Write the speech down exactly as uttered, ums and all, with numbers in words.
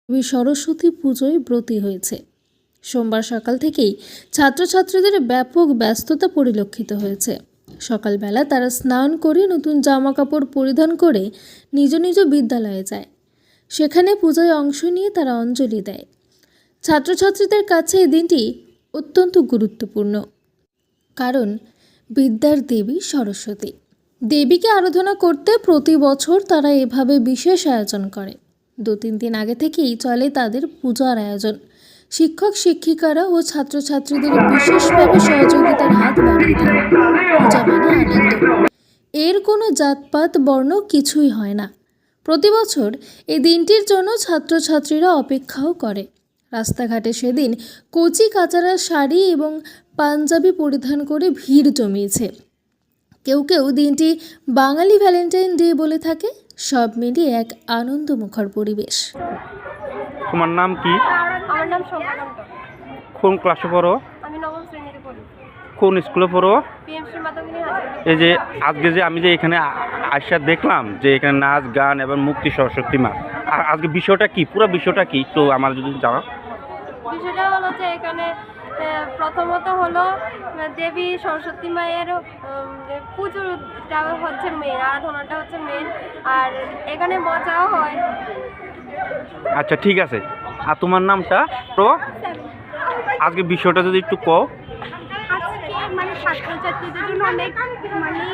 দেবী সরস্বতী পুজোয় ব্রতী হয়েছে। সোমবার সকাল থেকেই ছাত্রছাত্রীদের ব্যাপক ব্যস্ততা পরিলক্ষিত হয়েছে। সকালবেলা তারা স্নান করে নতুন জামা কাপড় পরিধান করে নিজ নিজ বিদ্যালয়ে যায়। সেখানে পূজায় অংশ নিয়ে তারা অঞ্জলি দেয়। ছাত্রছাত্রীদের কাছে এই দিনটি অত্যন্ত গুরুত্বপূর্ণ, কারণ বিদ্যার দেবী সরস্বতী। দেবীকে আরাধনা করতে প্রতি বছর তারা এভাবে বিশেষ আয়োজন করে। দু তিন দিন আগে থেকেই চলে তাদের পূজার আয়োজন। শিক্ষক শিক্ষিকারা ও ছাত্রছাত্রীদের বিশেষভাবে সহযোগিতার হাত বাড়িয়ে দেয়। পূজা মানে আনন্দ, এর কোনো জাতপাত বর্ণ কিছুই হয় না। প্রতি বছর এই দিনটির জন্য ছাত্রছাত্রীরা অপেক্ষাও করে। রাস্তাঘাটে সেদিন কচি কাচারা শাড়ি এবং পাঞ্জাবি পরিধান করে ভিড় জমিয়েছে। কেউ কেউ দিনটি বাঙালি ভ্যালেন্টাইন ডে বলে থাকে। সব মিলিয়ে এক আনন্দমুখর পরিবেশ। তোমার নাম কি? আমার নাম শোভাকান্ত। কোন ক্লাসে পড়ো? আমি নবম শ্রেণীতে পড়ি। কোন স্কুলে পড়ো? পিএমসি মাতঙ্গিনী হাজার। এই যে আজকে যে আমি যে এখানে আইসা দেখলাম যে এখানে নাচ গান এবং মুক্তি সরস্বতী মা, আর আজকে বিষয়টা কি, পুরো বিষয়টা কি তো আমার যদি জানা। বিষয়টা হলো যে এখানে প্রথমত হলো দেবী সরস্বতী মায়ের পুজোটা হচ্ছে মেন, আরাধনাটা হচ্ছে মেন, আর এখানে মজাও হয়। আচ্ছা ঠিক আছে, আর তোমার নামটা তো আজকে বিষয়টা যদি একটু কও। আজকে মানে ছাত্রছাত্রীদের জন্য অনেক মানে